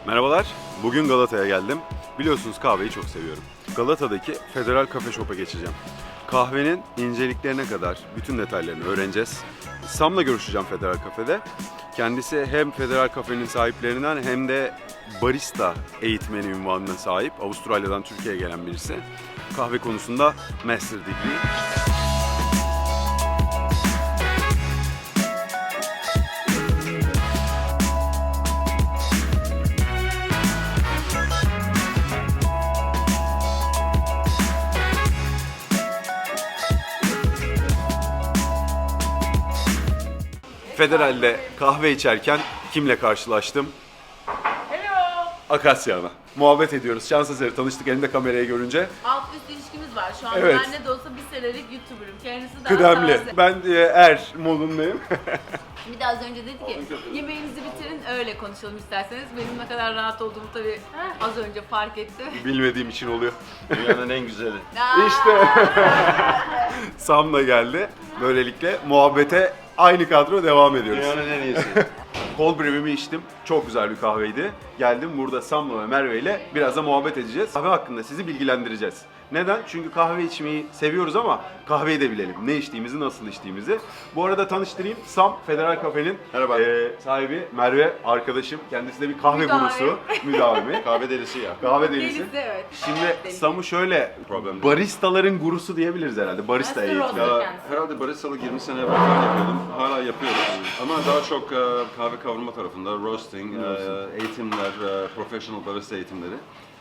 Merhabalar, bugün Galata'ya geldim. Biliyorsunuz kahveyi çok seviyorum. Galata'daki Federal Cafe Shop'a geçeceğim. Kahvenin inceliklerine kadar bütün detaylarını öğreneceğiz. Sam'la görüşeceğim Federal Cafe'de. Kendisi hem Federal Cafe'nin sahiplerinden hem de barista eğitmeni unvanına sahip. Avustralya'dan Türkiye'ye gelen birisi. Kahve konusunda Master Degree. Federal'de kahve içerken kimle karşılaştım? Hello. Akasya Ana. Muhabbet ediyoruz. Şans eseri tanıştık elimde kamerayı görünce. Alt üst ilişkimiz var şu anda. Evet. Ben ne de olsa bir senelik YouTuber'ım. Kendisi daha Kıdemli. taze. Ben er modundayım. Bir de az önce dedi ki yemeğinizi bitirin öyle konuşalım isterseniz. Benim ne kadar rahat olduğumu tabii az önce fark etti. Bilmediğim için oluyor. Dünyanın en güzeli. İşte. Sam da geldi. Böylelikle muhabbete aynı kadro devam ediyoruz. Dünyanın en iyisi. Cold brew'imi içtim. Çok güzel bir kahveydi. Geldim burada Sam'la ve Merve ile biraz da muhabbet edeceğiz. Kahve hakkında sizi bilgilendireceğiz. Neden? Çünkü kahve içmeyi seviyoruz ama kahveyi de bilelim. Ne içtiğimizi, nasıl içtiğimizi. Bu arada tanıştırayım. Sam, Federal Cafe'nin Merhaba. sahibi. Merve, arkadaşım. Kendisi de bir kahve Müdavim. gurusu. Müdavimi. Kahve delisi ya. Kahve delisi. Delisi, evet. Şimdi Sam'ı şöyle, Problem değil. baristaların gurusu diyebiliriz herhalde. Barista Master eğitimi. roaster. Ya, herhalde baristalık 20 sene evvel falan yapıyordum. Hala yapıyoruz. Ama daha çok kahve kavurma tarafında, roasting, eğitimler, professional barista eğitimleri.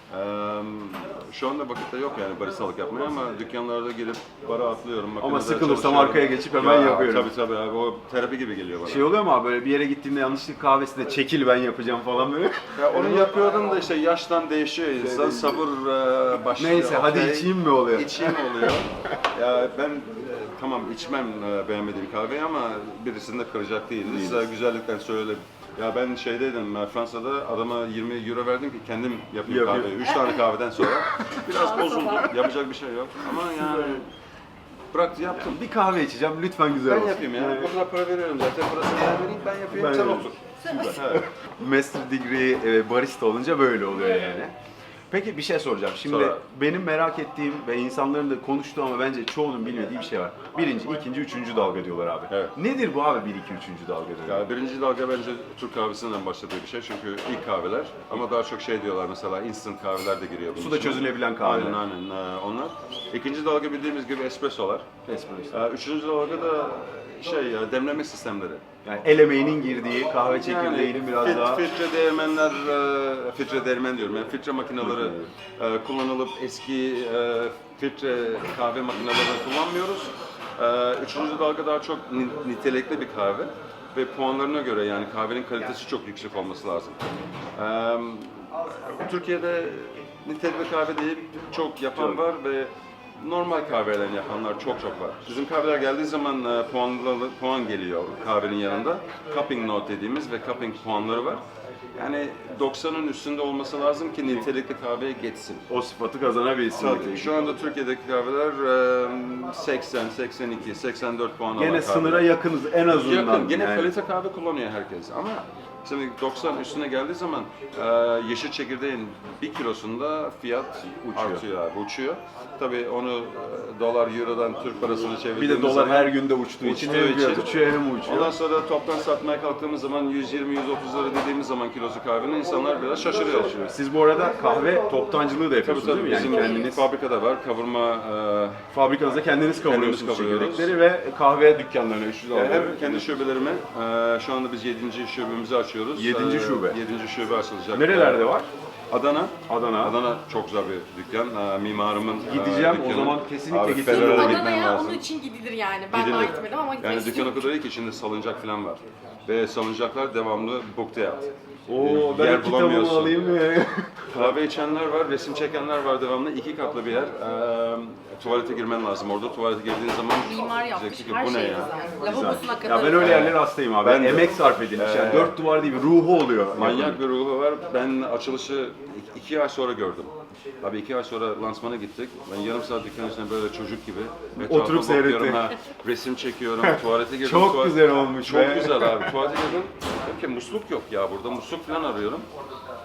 Şu anda vakitte yok yani baristalık yapmaya ama dükkanlarda girip bara atlıyorum. Ama makinede sıkılırsam çalışıyorum. arkaya geçip hemen yapıyorum. Tabii abi, o terapi gibi geliyor bana. Şey oluyor mu abi böyle bir yere gittiğinde yanlışlıkla kahvesinde çekil ben yapacağım falan böyle. Ya onu yapıyordum da işte yaştan değişiyor insan, sabır başlıyor. Neyse hadi Okey. içeyim mi oluyor? İçeyim oluyor. Ya ben tamam içmem beğenmediğim kahveyi ama birisini de kıracak değiliz. Güzellikten söyleyelim. Ya ben şeydeydim, Fransa'da adama 20 euro verdim ki kendim yapayım Yapayım. kahveyi. 3 tane kahveden sonra biraz bozuldu. Yapacak bir şey yok. Ama yani bıraktı yaptım. Bir kahve içeceğim lütfen güzel Ben olsun. yapayım ya. Bu kadar para veriyorum zaten. Parasını ben vereyim, ben yapayım. Ben sen yapayım. otur. Evet. Master Degree barista olunca böyle oluyor yani. Peki bir şey soracağım. Şimdi Sonra. benim merak ettiğim ve insanların da konuştuğu ama bence çoğunun bilmediği bir şey var. Birinci, ikinci, üçüncü dalga diyorlar abi. Evet. Nedir bu abi bir, iki, üçüncü dalga diyorlar? Ya birinci dalga bence Türk kahvesinden başladığı bir şey çünkü ilk kahveler ama daha çok şey diyorlar mesela instant kahveler de giriyor bunun Suda içine. çözülebilen kahveler. Aynen onlar. İkinci dalga bildiğimiz gibi espressolar. Espresso. Üçüncü dalga da şey ya demleme sistemleri. Yani el emeğinin girdiği kahve çekirdeğinin biraz daha... Filtre değirmenler, filtre değirmen diyorum yani filtre makineleri kullanılıp eski filtre kahve makinelerini kullanmıyoruz. Üçüncü dalga daha çok nitelikli bir kahve ve puanlarına göre yani kahvenin kalitesi çok yüksek olması lazım. Türkiye'de nitelikli kahve değil çok yapan var ve normal kahveden yapanlar çok var. Bizim kahveler geldiği zaman puan geliyor kahvenin yanında. Cupping note dediğimiz ve cupping puanları var. Yani 90'ın üstünde olması lazım ki nitelikli kahveye geçsin. O sıfatı kazanabilsin. Tabii, şu anda Türkiye'deki kahveler 80, 82, 84 puan alan Gene kahveler. sınıra yakınız en azından. Yakın, gene yani. kalite kahve kullanıyor herkes ama şimdi 90 üstüne geldiği zaman yeşil çekirdeğin 1 kilosunda fiyat artıyor abi, uçuyor. Tabii onu dolar, eurodan Türk parasını Bir çevirdiğimiz de dolar zaman her günde uçtuğu için hem fiyat uçuyor hem uçuyor. ondan sonra toptan satmaya kalktığımız zaman 120-130 lira dediğimiz zaman kilosu kahvenin insanlar biraz şaşırıyor. Siz bu arada kahve toptancılığı da Tabii yapıyorsunuz değil mi? bizim Yani kendiniz fabrikada var, kavurma fabrikanızda kendiniz kavuruyorsunuz Kendimiz kavuruyoruz. çekirdekleri ve kahve dükkanlarına 300 hem kendi şubelerime, şu anda biz 7. şubemizi açıyoruz. 7. şube. 7. şube açılacak. Nerelerde var? Adana. Adana. Adana çok güzel bir dükkan. Mimarımın Gideceğim, o dükkanı. zaman kesinlikle Abi, gideceğim. Ferrari'ye Adana'ya gitmen Adana'ya lazım. onun için gidilir yani. Ben daha gitmedim ama gitmek Yani dükkan o istiyorum. kadar iyi ki içinde salıncak falan var. Ve salıncaklar devamlı booked out. Oo ben Yer kitabımı bulamıyorsun. alayım mı? Kahve içenler var, resim çekenler var devamlı. 2 katlı bir yer. Tuvalete girmen lazım orada. Tuvalete girdiğin zaman Mimar yapmış diyeceksin ki, her bu ne şey ya? güzel. Lavabosuna kadar. Ya ben öyle yerlere hastayım abi. Ben de. Emek sarf edilmiş. Yani dört duvar değil bir ruhu oluyor. Manyak bir ruhu var. Ben açılışı 2 ay sonra gördüm. Abi 2 ay sonra lansmana gittik. Ben yarım saat dükkanın içinde böyle çocuk gibi etrafa Oturup bakıyorum, seyrettik. resim çekiyorum, tuvalete girdim. Çok güzel olmuş Çok be. güzel abi. Tuvalete girdim. Dedim ki musluk yok ya burada. Musluk falan arıyorum.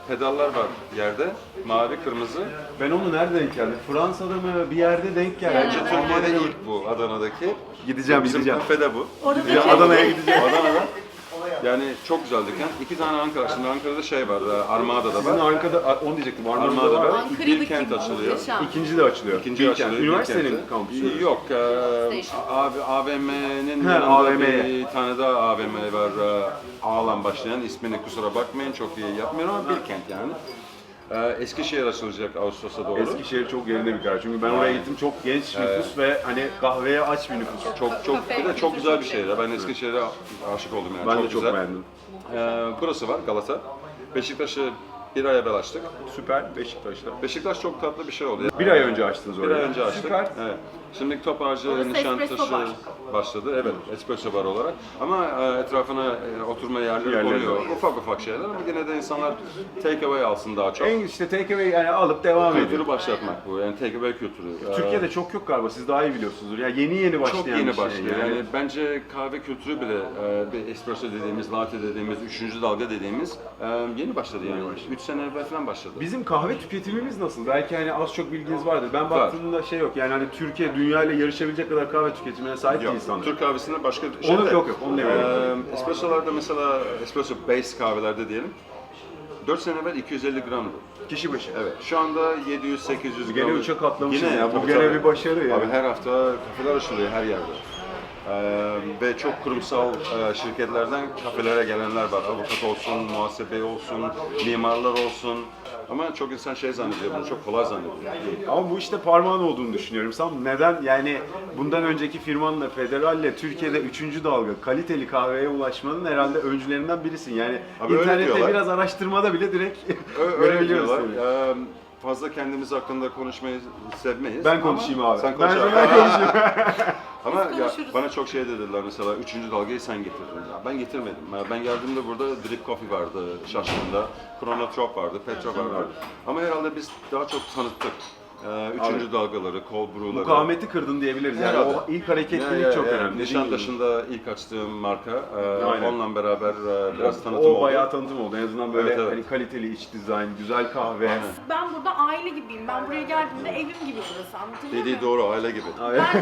pedallar var yerde. Mavi, kırmızı. Ben onu nerede denk geldim? Fransa'da mı bir yerde denk geldi. Bence Türkiye'de ilk bu, Adana'daki. Gideceğim, Bizim gideceğim. kafede bu. Ya Adana'ya gideceğim. Adana'da. Yani çok güzel dükkan. 2 tane Ankara. Şimdi Ankara'da şey var, Armada'da Sizin var. arkada, onu diyecektim. Armada'da Armada'da var. var. Ankara'daki Bilkent açılıyor. muhteşem. İkinci de açılıyor. İkinci Bilkent. açılıyor. Üniversitenin Bilkent'te. kampüsü. Yok, AVM'nin yanında AVM. bir tane daha AVM var. Ağlan başlayan. İsmini kusura bakmayın, çok iyi yapmıyorum ama Bilkent yani. Eskişehir açılacak Ağustos'a doğru. Eskişehir çok yerinde bir karar. Çünkü ben oraya gittim, çok genç nüfus ve hani kahveye aç bir nüfus. Çok bir de çok güzel bir şehir. Ben Eskişehir'e aşık oldum yani. Ben de çok güzel. beğendim. Burası var Galata. Beşiktaş'ı bir ay evvel açtık. Süper, Beşiktaş'ta. Beşiktaş çok tatlı bir şey oldu. Bir ay önce açtınız Bir orayı. ay önce açtık. Süper. Evet. Şimdi Topağacı, Orası espresso Nişantaşı bar. başladı. Evet, espresso bar olarak. Ama etrafına oturma yerleri Yerleri koyuyor. var. Ufak şeyler ama yine de insanlar take away alsın daha çok. En işte take away yani alıp devam ediyor. Kültürü başlatmak bu. Yani take away kültürü. Türkiye'de çok yok galiba, siz daha iyi biliyorsunuzdur. Ya yeni başlayan çok yeni bir şey. başlıyor. Yani bence kahve kültürü bile bir espresso dediğimiz, latte dediğimiz, 3. dalga dediğimiz yeni başladı yani. 3 sene evvel falan başladı. Bizim kahve tüketimimiz nasıl? Belki hani az çok bilginiz vardır. Ben baktığımda şey yok. Yani hani Türkiye dünya ile yarışabilecek kadar kahve tüketimine sahip değil sanırım. Türk kahvesinde başka Onu yok, onu demiyorum. Espressolarda mesela espresso base kahvelerde diyelim 4 sene evvel 250 gramdı. Kişi başı. Evet. Şu anda 700-800 gram. Gene 3'e katlamışız ya. Bu tabii, gene tabii. bir başarı ya. Abi her hafta kafeler açılıyor her yerde. Ve çok kurumsal şirketlerden kafelere gelenler var. Avukat olsun, muhasebe olsun, mimarlar olsun. Ama çok insan şey zannediyor, bunu çok kolay zannediyor. Ama bu işte parmağın olduğunu düşünüyorum. Sam neden yani bundan önceki firmanla Federal'le Türkiye'de 3. dalga kaliteli kahveye ulaşmanın herhalde öncülerinden birisin. Yani Abi öyle internette diyorlar. biraz araştırmada bile direkt Öyle görebiliyoruz diyorlar. seni. Fazla kendimiz hakkında konuşmayı sevmeyiz. Ben konuşayım abi. Sen konuş Ben abi. konuşayım. Ama ya, konuşuruz. bana çok şey dediler mesela 3. dalgayı sen getirdin. Ya ben getirmedim. Ben geldiğimde burada Drip Coffee vardı Şaşkın'da, Chronotrop vardı, Petrov vardı. Ama herhalde biz daha çok tanıttık. 3. dalgaları, cold brew'ları. Mukavemeti kırdın diyebiliriz. Yani Herhalde. o ilk hareketlilik çok önemli. Nişantaşı'nda ilk açtığım marka. Aynen. Onunla beraber biraz tanıtım oldu. O bayağı tanıtım oldu. En azından böyle Evet. hani kaliteli iç dizayn, güzel kahve. Ben burada aile gibiyim. Ben buraya geldiğimde evim gibi burası. Anlatabiliyor Dediği muyum? doğru, aile gibi.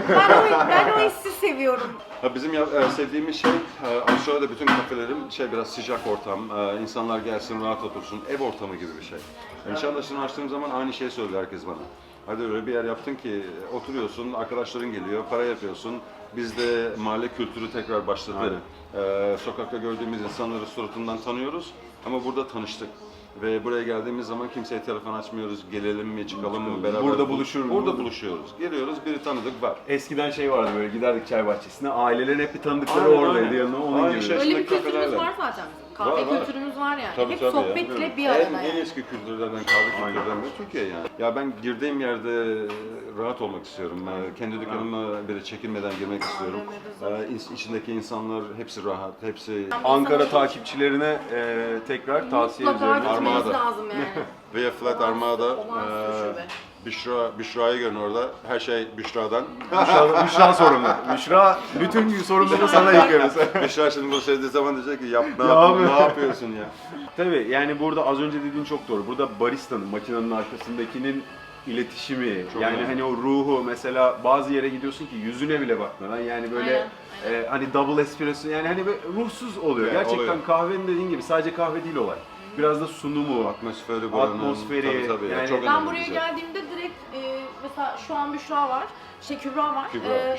Ben o hissi seviyorum. Ha, bizim sevdiğimiz şey, Avustralya'da bütün kafelerin biraz sıcak ortam, insanlar gelsin, rahat otursun, ev ortamı gibi bir şey. Nişantaşı'nı açtığım zaman aynı şeyi söylüyor herkes bana. Hadi öyle bir yer yaptın ki oturuyorsun, arkadaşların geliyor, para yapıyorsun. Bizde mahalle kültürü tekrar başladı. Sokakta gördüğümüz insanları suratından tanıyoruz ama burada tanıştık. Ve buraya geldiğimiz zaman kimseye telefon açmıyoruz, gelelim mi, çıkalım mı, beraber. Burada buluşur mu? Burada buluşuyoruz. Geliyoruz, biri tanıdık var. Eskiden şey vardı böyle giderdik çay bahçesine, ailelerin hep bir tanıdıkları Aynen, oradaydı aynen. yanına onun Aynı gibi. şey. Öyle bir Yaşındaki kültürümüz kafelerle. var zaten. Kahve Var, var. kültürümüz var yani. Tabii, Hep tabii ya. sohbetle bir arada En yani. eski kültürlerden, kahve kültürlerinden biri Türkiye yani. Ya ben girdiğim yerde rahat olmak istiyorum. Kendi dükkanıma böyle çekinmeden girmek istiyorum. İçindeki insanlar hepsi rahat, hepsi... Ankara takipçilerine tekrar tavsiye Mutlaka ediyorum. gitmeniz Armada. lazım yani. Via Flat Armada, Olağanüstü şube. Büşra'yı görün orada. Her şey Büşra'dan. Büşra sorumlu. Büşra bütün sorumluluğu sana yıkıyoruz. Büşra şimdi bunu söylediği zaman diyecek ki Ya ne yapıyorsun ya? Tabii yani burada az önce dediğin çok doğru. Burada baristanın, makinenin arkasındakinin iletişimi, Çok yani önemli. hani o ruhu mesela bazı yere gidiyorsun ki yüzüne bile bakmadan yani böyle hani double espresso yani hani böyle ruhsuz oluyor. Evet, Gerçekten oluyor. kahvenin dediğin gibi sadece kahve değil olay. Biraz da sunumu, Atmosferi buranın. Atmosferi, Tabii, yani- çok Ben önemli buraya bize. geldiğimde direkt mesela şu an Büşra var. Kübra var.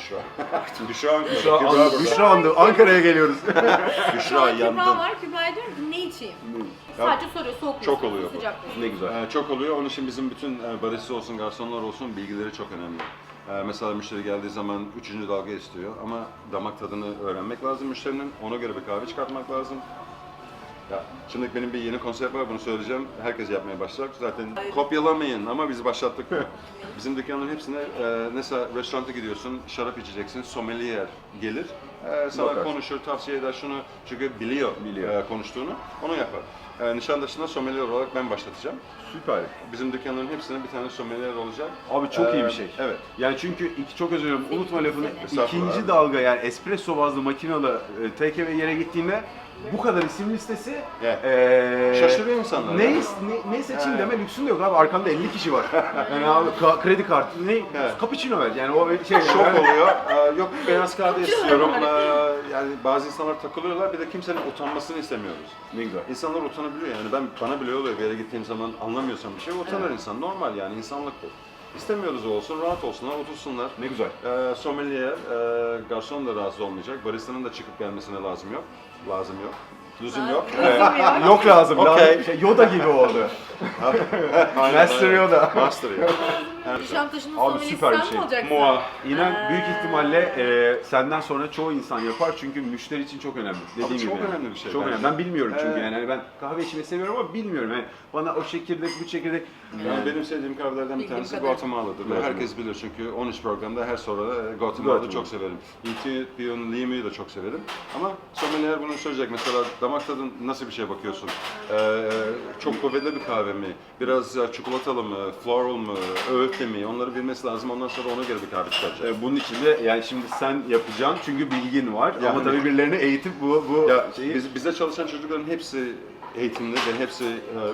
Büşra andı. Ankara'ya geliyoruz. Şu an Kübra yandım. var. Kübra'ya diyorum ki ne içeyim? Ya, Sadece soruyor soğuk mu çok istiyorsun, oluyor bu. sıcak mı? Ne güzel. Çok oluyor. Onun için bizim bütün barista olsun, garsonlar olsun bilgileri çok önemli. Mesela müşteri geldiği zaman 3. dalga istiyor ama damak tadını öğrenmek lazım müşterinin. Ona göre bir kahve çıkartmak lazım. Ya, şimdi benim bir yeni konsept var, bunu söyleyeceğim. Herkes yapmaya başlayacak. Zaten kopyalamayın ama biz başlattık. Bizim dükkanların hepsine mesela restoranta gidiyorsun, şarap içeceksin, sommelier gelir. Sana Bakar. konuşur, tavsiye eder şunu çünkü biliyor. Konuştuğunu, onu yapar. Nişantaşı'nda sommelier olarak ben başlatacağım. Süper. Bizim dükkanların hepsine bir tane sommelier olacak. Abi çok iyi bir şey. Evet. Yani çünkü çok özür dilerim unutma lafını. Estağfurullah İkinci abi. dalga yani espresso bazlı makinalı take away yere gittiğinde bu kadar isim listesi. Evet. Şaşırıyor insanlar. Ne seçeyim deme lüksün de yok abi. Arkanda 50 kişi var. Yani abi kredi kartı ne? Cappuccino ver. Yani o şey Şok oluyor. Yok beyaz kahve istiyorum. Yani bazı insanlar takılıyorlar. Bir de kimsenin utanmasını istemiyoruz. Ne güzel. İnsanlar utanabiliyor yani. Bana bile oluyor bir yere gittiğim zaman anlamıyorsam bir şey utanır insan. Normal yani insanlık bu. İstemiyoruz olsun, rahat olsunlar, otursunlar. Ne güzel. Sommelier, garson da rahatsız olmayacak. Barista'nın da çıkıp gelmesine lazım yok. Lüzum yok. Yok lazım. Okey. Şey, Yoda gibi oldu. Master Yoda. Master Yoda. Nişantaşı'nın Abi sommelier süper bir sen şey. mi olacaksın? Mua. İnan büyük ihtimalle senden sonra çoğu insan yapar çünkü müşteri için çok önemli. Dediğim gibi. çok yani. önemli bir şey Çok bence. önemli. Ben bilmiyorum çünkü yani hani ben kahve içmeyi seviyorum ama bilmiyorum. Yani bana o çekirdek, bu çekirdek. Yani benim sevdiğim kahvelerden bir Bildiğim tanesi kadar. Guatemala'dır. Ve herkes bilir çünkü 13 programda her soruda Guatemala'yı çok severim. Ethiopian Lime'yi de çok severim. Ama sommelier bunu söyleyecek. Mesela damak tadın nasıl bir şey bakıyorsun? Çok kuvvetli bir kahve mi? Biraz çikolatalı mı? Floral mı? Öğütlü mi? Onları bilmesi lazım. Ondan sonra ona göre bir kahve çıkaracak. Bunun için de yani şimdi sen yapacaksın çünkü bilgin var ama Yani- tabii birilerini eğitip bu Ya şeyi... bizde çalışan çocukların hepsi eğitimli ve hepsi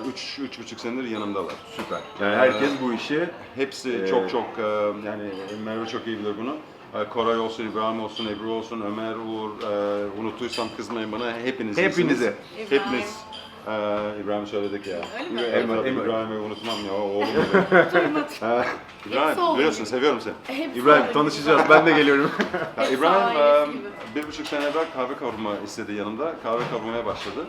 3,5 senedir yanımdalar. Süper. Yani herkes bu işi Hepsi çok yani Merve çok iyi bilir bunu. Koray olsun, İbrahim olsun, Ebru olsun, Ömer, Uğur, unuttuysam kızmayın bana, hepiniz Hepinizi. iyisiniz. Hepiniz. İbrahim söyledik ya. Öyle mi? İbrahim'i unutmam ya, oğlum. Hepsi İbrahim, oldu. biliyorsun seviyorum seni. İbrahim tanışacağız. Ben de geliyorum. Ya, Hepsi İbrahim ailesi gibi. 1,5 sene evvel kahve kavurma istedi yanımda. Kahve kavurmaya başladı.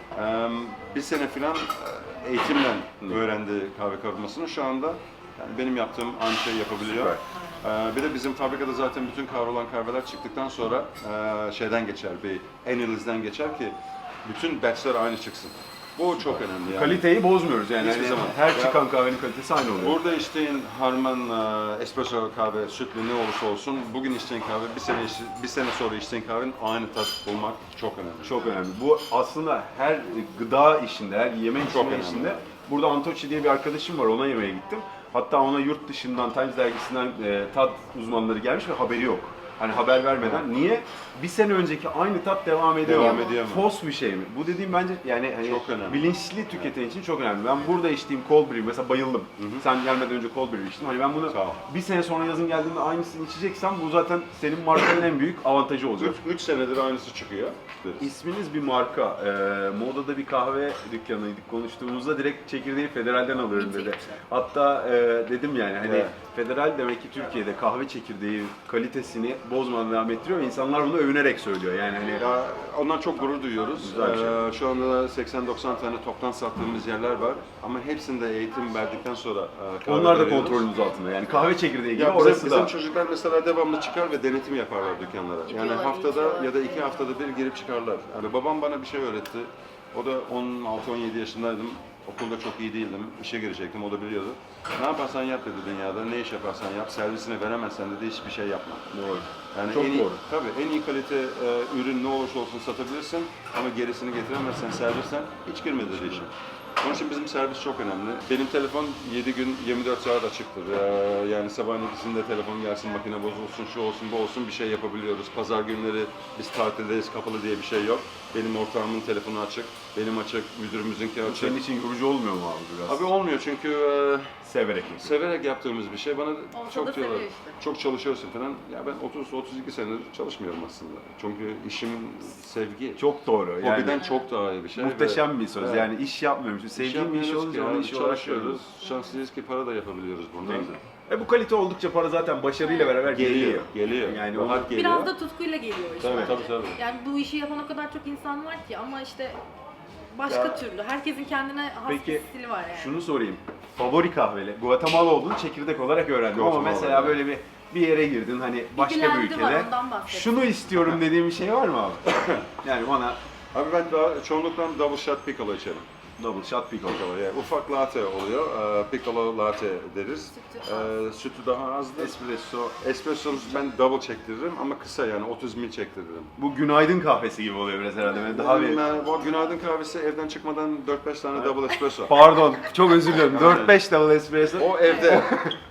Bir sene falan eğitimle öğrendi kahve kavurmasını. Şu anda yani benim yaptığım aynı şeyi yapabiliyor. Bir de bizim fabrikada zaten bütün kavrulan kahveler çıktıktan sonra şeyden geçer, bir analizden geçer ki bütün batchler aynı çıksın. Bu çok önemli yani. Kaliteyi bozmuyoruz yani. Hiçbir Hani zaman. her Ya- çıkan kahvenin kalitesi aynı oluyor. Burada içtiğin harman, espresso kahve, sütlü ne olursa olsun, bugün içtiğin kahve, bir sene sonra içtiğin kahvenin aynı tat bulmak çok önemli. Çok önemli. Bu aslında her gıda işinde, her yeme Çok içme önemli. işinde. Burada Antoci diye bir arkadaşım var, ona yemeğe gittim. Hatta ona yurt dışından, Times dergisinden tat uzmanları gelmiş ve haberi yok. Hani haber vermeden. Niye? Bir sene önceki aynı tat devam ediyor. Devam ediyor mu? Fos bir şey mi? Bu dediğim bence yani hani Çok önemli. bilinçli tüketen için çok önemli. Ben burada içtiğim cold brew mesela bayıldım. Sen gelmeden önce cold brew içtim. Hani ben bunu Sağ ol. bir sene sonra yazın geldiğinde aynısını içeceksem bu zaten senin markanın en büyük avantajı olacak. 3 senedir aynısı çıkıyor. İsminiz bir marka. Moda'da bir kahve dükkanıydık. Konuştuğumuzda direkt çekirdeği Federal'den alıyorum dedi. Hatta dedim yani hani Evet. Federal demek ki Türkiye'de kahve çekirdeği kalitesini bozmadan devam ettiriyor ve insanlar bunu övünerek söylüyor. Yani hani Ya, ondan çok gurur duyuyoruz. Güzel bir şey. Şu anda da 80-90 tane toptan sattığımız yerler var. Ama hepsinde eğitim verdikten sonra kahve onlar da veriyoruz. kontrolünüz altında. Yani kahve çekirdeği gibi Ya orası bizim da. çocuklar mesela devamlı çıkar ve denetim yaparlar dükkanlara. Yani Gidiyorlar, haftada gidiyorlar. ya da 2 haftada bir girip çıkarlar. Yani babam bana bir şey öğretti. O da 16-17 yaşındaydım. Okulda çok iyi değildim. İşe girecektim, o da biliyordu. Ne yaparsan yap dedi dünyada, ne iş yaparsan yap, servisine veremezsen dedi hiçbir şey yapma. Doğru. Yani Çok en iyi, doğru. tabii en iyi kalite ürün ne olursa olsun satabilirsin ama gerisini getiremezsen, servisten hiç girme dedi işe. Onun için bizim servis çok önemli. Benim telefon 7 gün 24 saat açıktır. Yani sabahın ikisinde telefon gelsin, makine bozulsun, şu olsun, bu olsun bir şey yapabiliyoruz. Pazar günleri biz tatildeyiz, kapalı diye bir şey yok. Benim ortağımın telefonu açık, benim açık, müdürümüzümüzki açık. Senin için yorucu olmuyor mu abi biraz? Abi olmuyor çünkü Severek yapıyor. severek yaptığımız bir şey. Bana da çok diyorlar, seviyor işte. çok çalışıyorsun falan. Ya ben 30-32 senedir çalışmıyorum aslında. Çünkü işim sevgi. Çok doğru. Yani Hobiden çok daha iyi bir şey. muhteşem bir söz. Evet. Yani iş yapmıyormuşum. Sevdiğim bir iş olunca onu iş olarak çalışıyoruz. görüyoruz. Şanslıyız ki para da yapabiliyoruz burada. Ne güzel. Bu kalite oldukça para zaten başarıyla beraber geliyor. Geliyor. Yani Rahat geliyor. Biraz da tutkuyla geliyor işte. Tabii. Yani bu işi yapan o kadar çok insan var ki ama işte başka türlü. Herkesin kendine has Peki, bir stili var yani. şunu sorayım. Favori kahveli. Guatemala olduğunu çekirdek olarak öğrendim ama Guatemala, mesela evet. böyle bir yere girdin hani başka bir Bilgilendirme var, ülkede. ondan bahset. Şunu istiyorum dediğim bir şey var mı abi? Yani bana Abi ben daha çoğunlukla double shot piccolo içerim. double shot pickle. Piccolo, yani ufak latte oluyor. Piccolo latte deriz. Sütü daha azdır. Espresso. Espresso'nu ben double çektiririm ama kısa yani 30 ml çektiririm. Bu günaydın kahvesi gibi oluyor biraz herhalde. Böyle daha bir... Bu günaydın kahvesi evden çıkmadan 4-5 tane double espresso. Pardon, çok özür diliyorum. 4-5 double espresso. O evde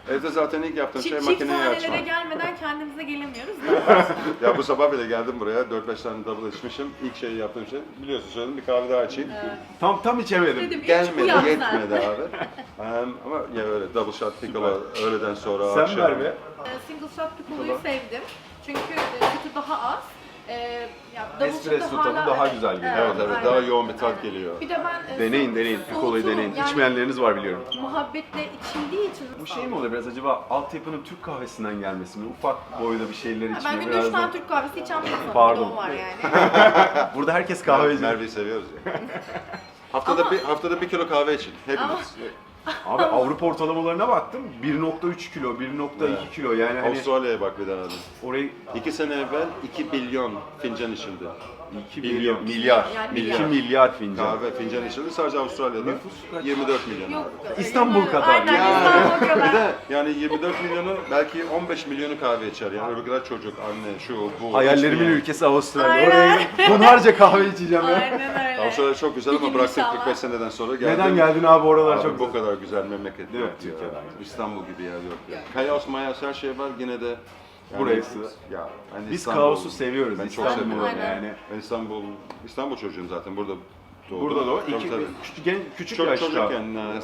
Evde zaten ilk yaptığım şey Çift makineyi tanelere açmak. gelmeden kendimize gelemiyoruz da. Ya bu sabah bile geldim buraya, 4-5 tane double içmişim. İlk şeyi yaptığım şey, biliyorsun söyledim, bir kahve daha açayım. Tam içemedim. Dedim, üç bu Gelmedi, yalnız yetmedi abi. Ama ya öyle double shot piccolo öğleden sonra Sen akşam. ver be. Single shot piccolo'yu sevdim. Çünkü sütü daha az. Ya double Espresso shot'ı tadı hala- daha güzel geliyor. Evet, evet, daha aynen. yoğun bir tat Aynen. geliyor. Bir de ben Deneyin. Piccolo'yu soğutuğum, deneyin. yani İçmeyenleriniz var biliyorum. muhabbetle içildiği için. Bu şey mi oluyor biraz acaba altyapının Türk kahvesinden gelmesi mi? Ufak boyda bir şeyler Ben içme günde biraz 3 tane da... Türk kahvesi içen bir insanım. Pardon. Bir de o var yani. Burada herkes kahveci. Merve'yi seviyoruz ya. Ama- haftada bir kilo kahve için hepimiz. Abi Avrupa ortalamalarına baktım. 1.3 kilo, 1.2 kilo yani hani Avustralya'ya bak bir tane. orayı 2 sene evvel 2 milyon fincan içildi. 2 Milyon. milyar, Yani 2 milyar. milyar fincan. Kahve fincan içildi sadece Avustralya'da. Nüfus kaç? 24 milyon. Yok. İstanbul kadar. Aynen İstanbul Bir kadar. de yani 24 milyonu belki 15 milyonu kahve içer. Yani öbürler çocuk, anne, şu, bu. Hayallerimin içmeyen. ülkesi Avustralya. Aynen. Oraya tonlarca kahve içeceğim ya. Aynen öyle. Avustralya çok güzel Bir ama gün bıraktık inşallah. 45 seneden sonra geldim. Neden geldin abi oralar Abi çok bu güzel. kadar güzel memleket Değil mi? yok ya. Türkiye'den. İstanbul gibi yer yok ya. Kaos mayas her şey var yine de. Burası. Ya ben Biz İstanbul- kaosu seviyoruz Ben çok İstanbul'u seviyorum. Aynen. yani. Ben İstanbul çocuğum zaten burada doğdum. Burada da o. Tabii, tabii. Küçük Çok yaşta. çocukken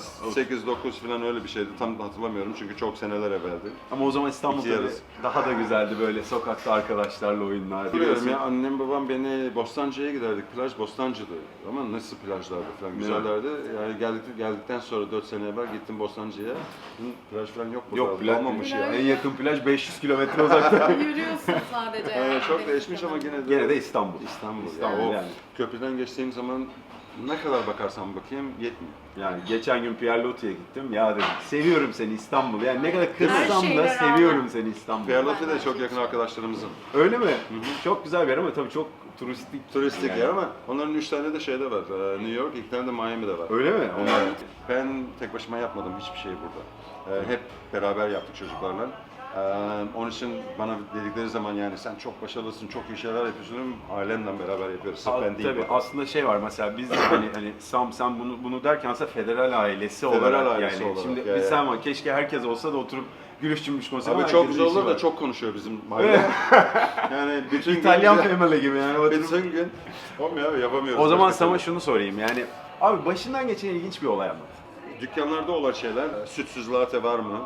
8-9 falan öyle bir şeydi. Tam hatırlamıyorum çünkü çok seneler evveldi. Ama o zaman İstanbul İki tabii yarısı. daha da güzeldi böyle sokakta arkadaşlarla oyunlar. Biliyorum ya annem babam beni Bostancı'ya giderdik. Plaj Bostancı'dı. Ama nasıl plajlardı falan güzellerdi. Yani geldikten sonra 4 sene evvel gittim Bostancı'ya. Plaj falan yok burada. Yok plaj Kalmamış ya. En yakın plaj 500 kilometre uzakta. Yürüyorsun sadece. Çok Deniz değişmiş ama kenarında. gene de. Gene de İstanbul. İstanbul. Yani. Ya, o köprüden geçtiğim zaman ne kadar bakarsam bakayım yetmiyor. Yani geçen gün Pierre Loti'ye gittim. Ya dedim seviyorum seni İstanbul. Yani ne kadar kırsam şeyle da rağmen. seviyorum seni İstanbul. Pierre de çok yakın arkadaşlarımızın. Öyle mi? Çok güzel bir yer ama tabii çok Turistik yani. yer ama onların 3 tane de şeyde var. New York, 2 tane de Miami'de var. Öyle mi? Onlar Ben tek başıma yapmadım hiçbir şey burada. Hep beraber yaptık çocuklarla. Onun için bana dedikleri zaman yani sen çok başarılısın, çok iyi şeyler yapıyorsun. Ailemle beraber yapıyoruz. Sırf ben değil. tabii burada. aslında şey var mesela biz de hani Sam sen bunu derken aslında federal ailesi Federal olarak ailesi yani olarak, şimdi ya, bir ya. sen var keşke herkes olsa da oturup gülüş cümbüş konuşsa. Abi çok güzel olur da çok konuşuyor bizim aile. Yani bütün İtalyan gün, family gibi yani. oturup- bütün gün olmuyor abi yapamıyoruz. O zaman başka sana türlü. şunu sorayım yani abi başından geçen ilginç bir olay anlat. Dükkanlarda olan şeyler, sütsüz latte var mı?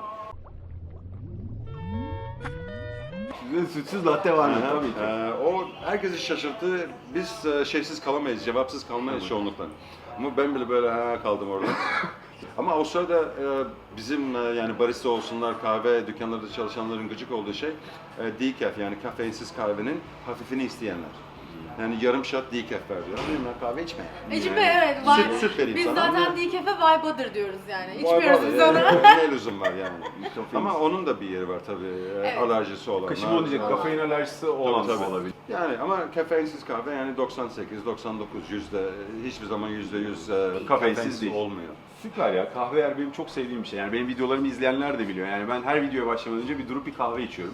Sütsüz latte var mı? Aha. Tabii ki. O herkesi şaşırttı. Biz şeysiz kalamayız, cevapsız kalmayız çoğunlukla. Ama ben bile böyle kaldım orada. Ama Avustralya'da bizim yani barista olsunlar, kahve dükkanlarında çalışanların gıcık olduğu şey decaf yani kafeinsiz kahvenin hafifini isteyenler. Yani yarım shot decaf ver diyor. Ama ben kahve içmeyeyim. Ecibe evet var. Süt vereyim Biz sana. zaten decaf'e vibe'adır diyoruz yani. Vay İçmiyoruz vay, biz onu. Ne lüzum var yani. Ama onun da bir yeri var tabii. Evet. Alerjisi olan. Kışım onu diyecek kafein alerjisi olan Tabii, tabii. olabilir. Yani ama kafeinsiz kahve yani 98, 99 yüzde hiçbir zaman %100 Kafeinsiz kafeinsiz değil. olmuyor. Süper ya kahve yer benim çok sevdiğim bir şey yani benim videolarımı izleyenler de biliyor yani ben her videoya başlamadan önce bir durup bir kahve içiyorum.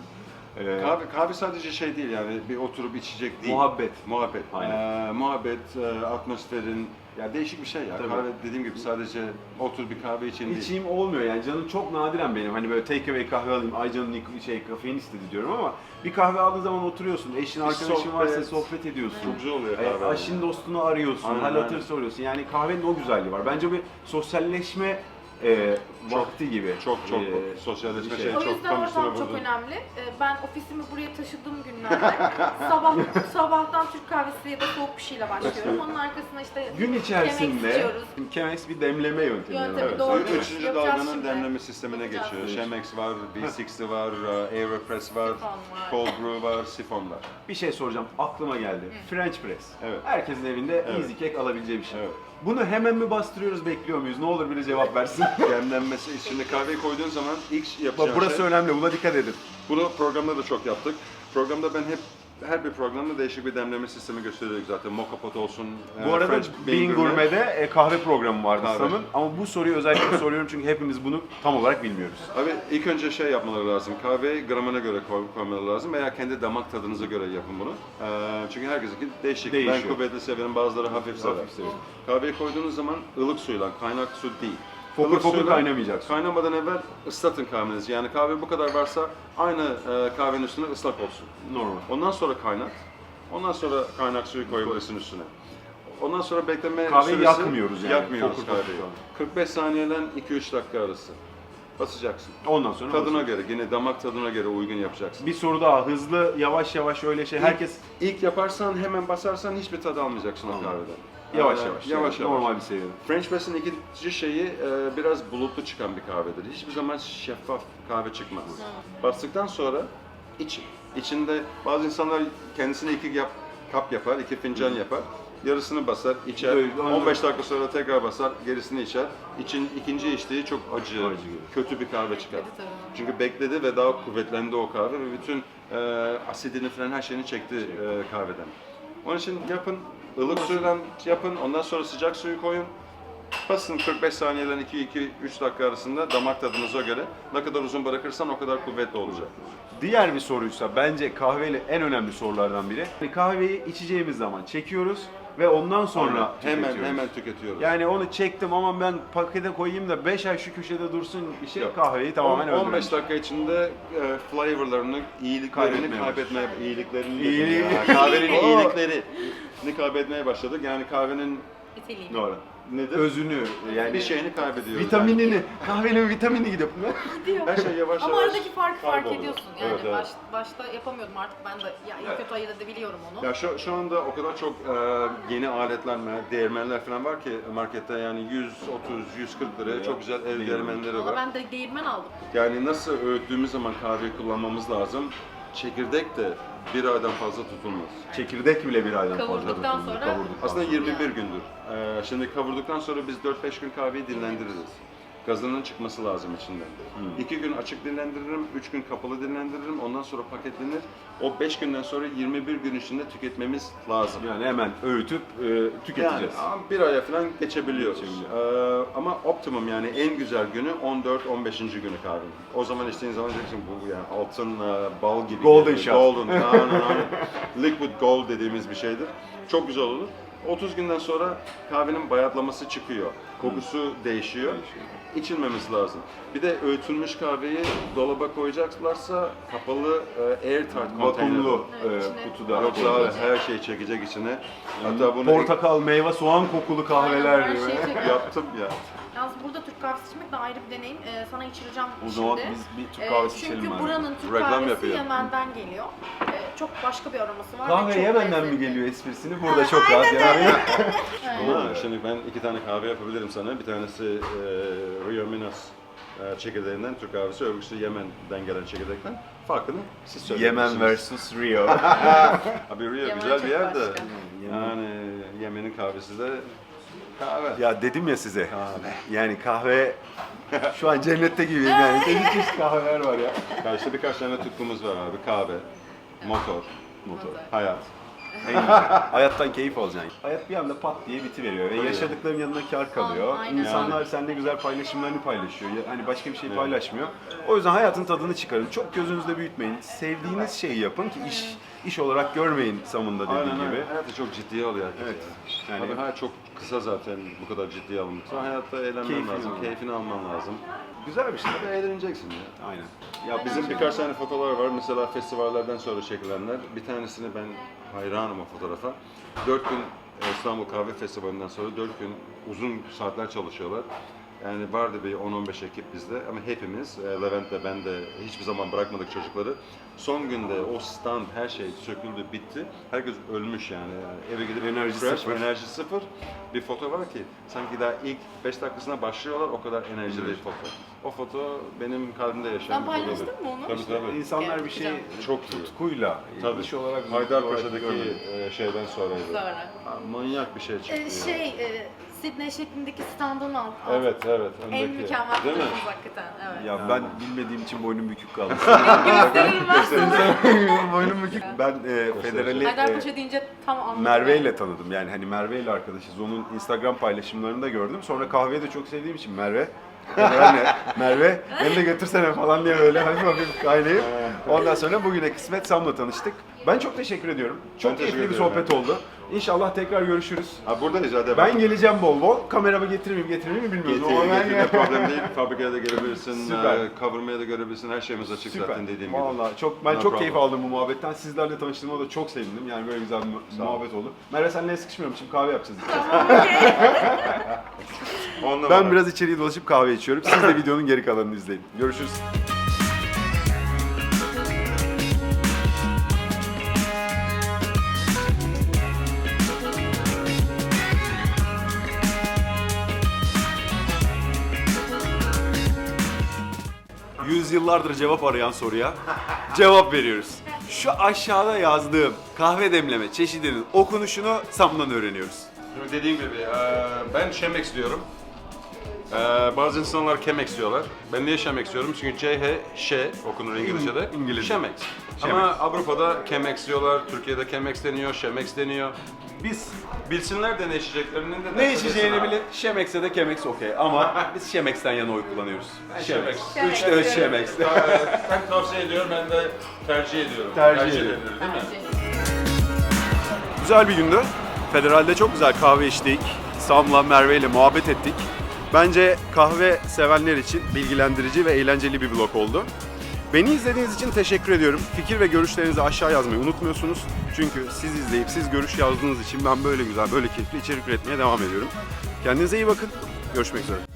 Kahve sadece şey değil yani bir oturup içecek değil. Muhabbet. Muhabbet. Aynen. Muhabbet, atmosferin ya değişik bir şey ya. Tabii. Kahve dediğim gibi sadece otur bir kahve için değil. İçeyim olmuyor yani canım çok nadiren benim hani böyle take away kahve alayım ay canım kafein istedi diyorum ama bir kahve aldığın zaman oturuyorsun eşin arkadaşın sohbet. varsa sohbet ediyorsun. Çok güzel oluyor kahve. Aşın dostunu arıyorsun, Aynen, hal hatır aynen. soruyorsun yani kahvenin o güzelliği var. Bence bir sosyalleşme vakti gibi. Çok e, sosyalleşme bir şey şey. O çok yüzden tam üstüne ortam çok vurdun. önemli. Ben ofisimi buraya taşıdığım günlerde sabahtan Türk kahvesi ya da soğuk bir şeyle başlıyorum. Onun arkasına işte Gün Chemex içerisinde içiyoruz. Chemex bir demleme yöntemi. Yöntemi, Evet. doğru. Üçüncü Yapacağız dalganın şimdi. demleme sistemine Yapacağız. geçiyor. Chemex var, V60 var, Aeropress var, Sifon var. Cold Brew var, sifon var. Bir şey soracağım aklıma geldi. French press. Evet. Herkesin evinde Evet. easy cake alabileceği bir şey. Evet. Bunu hemen mi bastırıyoruz bekliyor muyuz? Ne olur biri cevap versin. Demlenmesi içinde kahveyi koyduğun zaman ilk yapacağın Bak burası şey, önemli buna dikkat edin. bunu programda da çok yaptık. Programda ben hep her bir programda değişik bir demleme sistemi gösteriyorduk zaten. Mocha pot olsun, Bu arada French Bean Gourmet'de kahve programı vardı Kahve. Sam'ın. Ama bu soruyu özellikle soruyorum çünkü hepimiz bunu tam olarak bilmiyoruz. Abi ilk önce şey yapmaları lazım. Kahveyi gramına göre koymaları lazım veya kendi damak tadınıza göre yapın bunu. Çünkü herkesinki değişik. Değişiyor. Ben kuvvetli severim, bazıları hafif sever. Hafif severim. Kahveyi koyduğunuz zaman ılık suyla, kaynak su değil. Fokur ılık fokur suyla kaynamayacaksın. Kaynamadan evvel ıslatın kahvenizi. Yani kahve bu kadar varsa aynı kahvenin üstüne ıslak olsun. Normal. Ondan sonra kaynat. Ondan sonra kaynak suyu koyabilirsin üstüne. Ondan sonra bekleme Kahveyi süresi... yakmıyoruz yani. Yakmıyoruz Fokur fokur kahveyi. falan. 45 saniyeden 2-3 dakika arası. Basacaksın. Ondan sonra Tadına basıyorsun. göre, yine damak tadına göre uygun yapacaksın. Bir soru daha, hızlı, yavaş yavaş öyle şey. Herkes İlk yaparsan, hemen basarsan hiçbir tadı almayacaksın o kahveden. yavaş Ee, yavaş. Yavaş yani, yavaş. Normal bir seviyede. French Press'in ikinci şeyi biraz bulutlu çıkan bir kahvedir. Hiçbir zaman şeffaf kahve çıkmaz. Bastıktan sonra için. İçinde bazı insanlar kendisine kap yapar, 2 fincan yapar. Yarısını basar, içer. Evet, aynen. 15 dakika sonra tekrar basar, gerisini içer. İkinci içtiği çok acı, kötü bir kahve çıkar. Tabii. Çünkü bekledi ve daha kuvvetlendi o kahve ve bütün asidini falan her şeyini çekti kahveden. Onun için yapın, ılık suyla yapın, ondan sonra sıcak suyu koyun. Basın 45 saniyeden 2-3 dakika arasında damak tadınıza göre. Ne kadar uzun bırakırsan o kadar kuvvetli olacak. Diğer bir soruysa bence kahveyle en önemli sorulardan biri. Kahveyi içeceğimiz zaman çekiyoruz ve ondan sonra tüketiyoruz. Hemen tüketiyoruz. Yani onu çektim ama ben pakete koyayım da 5 ay şu köşede dursun bir şey Yok. kahveyi tamamen 15 öldürmüş. dakika içinde flavorlarını, iyiliklerini Kaybetmeye iyiliklerini İyiliği. kahvenin Oo. iyiliklerini kaybetmeye başladık. Yani kahvenin İteliğim. Doğru. nedir? Özünü yani Bir şeyini kaybediyoruz. vitaminini, kahvenin vitamini gidiyor. Yani. Her şey yavaş Ama yavaş aradaki farkı fark kayboluyor. ediyorsun. Yani Evet, evet. başta yapamıyordum artık ben de ya iyi kötü ayırt edebiliyorum onu. Ya şu anda o kadar çok yeni aletler, değirmenler falan var ki markette, yani 130, 140 liraya çok güzel ev değirmenleri Valla var. ben de değirmen aldım. Yani nasıl öğüttüğümüz zaman kahveyi kullanmamız lazım. Çekirdek de bir aydan fazla tutulmaz. Çekirdek bile bir aydan fazla Kavurduktan tutulur. sonra- Kavurduktan Aslında sonra. 21 gündür. Şimdi kavurduktan sonra biz 4-5 gün kahveyi dinlendiririz. Gazının çıkması lazım içinden. 2 gün açık dinlendiririm, 3 gün kapalı dinlendiririm. Ondan sonra paketlenir. O 5 günden sonra 21 gün içinde tüketmemiz lazım. Yani hemen öğütüp tüketeceğiz. Yani bir aya falan geçebiliyoruz. Ama optimum, yani en güzel günü 14-15. günü kahvenin. O zaman içtiğin zaman diyeceksin bu yani altın bal gibi. Golden geliyor. shot. Golden. Aynen. Liquid gold dediğimiz bir şeydir. Çok güzel olur. 30 günden sonra kahvenin bayatlaması çıkıyor. Kokusu değişiyor. İçilmemiz lazım. Bir de öğütülmüş kahveyi dolaba koyacaklarsa kapalı airtight Vakumlu Evet, içine- kutuda. Yoksa her şey çekecek içine. Hatta bunu Portakal, meyve, soğan kokulu kahveler Aynen, her gibi. şey çekiyor. yaptım ya. Yalnız burada Türk kahvesi içmek de ayrı bir deneyim. Sana içireceğim O şimdi. zaman biz bir Türk kahvesi içelim Çünkü abi. buranın Türk Reklam kahvesi yapıyor. Yemen'den geliyor. Çok başka bir aroması var. ve Kahve çok Yemen'den mi lezzetli. geliyor esprisini burada çok rahat yani. Ama şimdi ben 2 tane kahve yapabilirim sana. Bir tanesi Rio Minas çekirdeğinden Türk kahvesi, öbürküsü Yemen'den gelen çekirdekten. Farkını siz söyleyebilirsiniz. Yemen versus Rio. Abi Rio Yemen güzel çok bir yer de. başka. Yani Yemen'in kahvesi de kahve. Ya dedim ya size. Yani kahve şu an cennette gibiyim yani. Çeşit kahveler var ya. Ya işte birkaç tane tutkumuz var abi. Kahve, motor, hayat. En güzel. Hayattan keyif alacaksın. Hayat bir anda pat diye bitiveriyor ve yaşadıkların yanına kar kalıyor. Aynen. İnsanlar seninle güzel paylaşımlarını paylaşıyor. Hani başka bir şey paylaşmıyor. O yüzden hayatın tadını çıkarın. Çok gözünüzde büyütmeyin. Sevdiğiniz şeyi yapın ki iş olarak görmeyin Sam'ın da dediği Aynen gibi. öyle. Hayatı çok ciddiye alıyor herkes. Evet. Yani, Yani- Tabii hayat çok kısa zaten bu kadar ciddiye alınmışsa. Hayatta eğlenmen Keyfini lazım, alman. keyfini alman lazım. Güzel bir şey. Tabii eğleneceksin ya. Aynen. Ya bizim birkaç tane fotoğraflar var. Mesela festivallerden sonra çekilenler. Bir tanesini ben hayranım o fotoğrafa. 4 gün İstanbul Kahve Festivali'nden sonra 4 gün uzun saatler çalışıyorlar. Yani vardı bir 10-15 ekip bizde ama hepimiz, Levent de ben de hiçbir zaman bırakmadık çocukları. Son günde o stand, her şey söküldü, bitti. Herkes ölmüş yani. Eve gidip Enerji fresh, sıfır. enerji sıfır. Bir foto var ki sanki daha ilk 5 dakikasına başlıyorlar, o kadar enerjili bir foto. O foto benim kalbimde yaşayan Sen bir fotodur. paylaştın mı onu? Tabii tabii. İnsanlar bir şey Güzel. Çok iyi. tutkuyla, Tabii. iş olarak Haydarpaşa'daki görmedim. şeyden sonraydı. Sonra. Ha, manyak bir şey çıktı. ya. Sydney şeklindeki standın alt. Evet, evet. En öndeki. mükemmel Değil mi? fotoğrafımız hakikaten. Evet. Ya ben bilmediğim için boynum bükük kaldı. Gösteririm ben sana. boynum bükük. Ben Federal'i Haydarpaşa deyince tam anladım. Merve ile tanıdım. Yani hani Merve ile arkadaşız. Onun Instagram paylaşımlarını da gördüm. Sonra kahveyi de çok sevdiğim için Merve Merve beni de götürsene falan diye böyle hafif kaynayıp. Ondan sonra bugüne kısmet Sam'la tanıştık. Ben çok teşekkür ediyorum. Çok teşekkür keyifli bir ediyorum. sohbet oldu. İnşallah tekrar görüşürüz. Ha, buradayız hadi. Ben geleceğim bol bol. Kameramı getirmeyeyim mi bilmiyorum. Getirme problem değil. Fabrikaya da gelebilirsin, Süper. kavurmaya da görebilirsin. Her şeyimiz açık zaten dediğim gibi. Vallahi çok ben No çok problem. keyif aldım bu muhabbetten. Sizlerle tanıştığıma da çok sevindim. Yani böyle güzel bir muhabbet oldu. Merve senle sıkışmıyorum. Şimdi kahve yapacağız. Ben biraz içeriye dolaşıp kahve içiyorum. Siz de videonun geri kalanını izleyin. Görüşürüz. Yüzyıllardır cevap arayan soruya cevap veriyoruz. Şu aşağıda yazdığım kahve demleme çeşidinin okunuşunu Sam'dan öğreniyoruz. Şimdi dediğim gibi ben Chemex diyorum. Bazı insanlar Chemex diyorlar. Ben niye Chemex diyorum? Çünkü CH, Ş okunur İngilizce'de. İngilizce. Chemex. Ama Avrupa'da Chemex diyorlar, Türkiye'de Chemex deniyor, Chemex deniyor. Biz Bilsinler de ne içeceklerini de ne içeceğini bilin. Şemex'e de Chemex okey ama biz Chemex'ten yana oy kullanıyoruz. Chemex. 3'te 3 Chemex. Sen tavsiye ediyorum, ben de tercih ediyorum. Tercih edilir ediyorum. değil mi? Güzel bir gündü. Federal'de çok güzel kahve içtik. Sam'la Merve ile muhabbet ettik. Bence kahve sevenler için bilgilendirici ve eğlenceli bir vlog oldu. Beni izlediğiniz için teşekkür ediyorum. Fikir ve görüşlerinizi aşağı yazmayı unutmuyorsunuz. Çünkü siz izleyip siz görüş yazdığınız için ben böyle güzel, böyle keyifli içerik üretmeye devam ediyorum. Kendinize iyi bakın. Görüşmek üzere.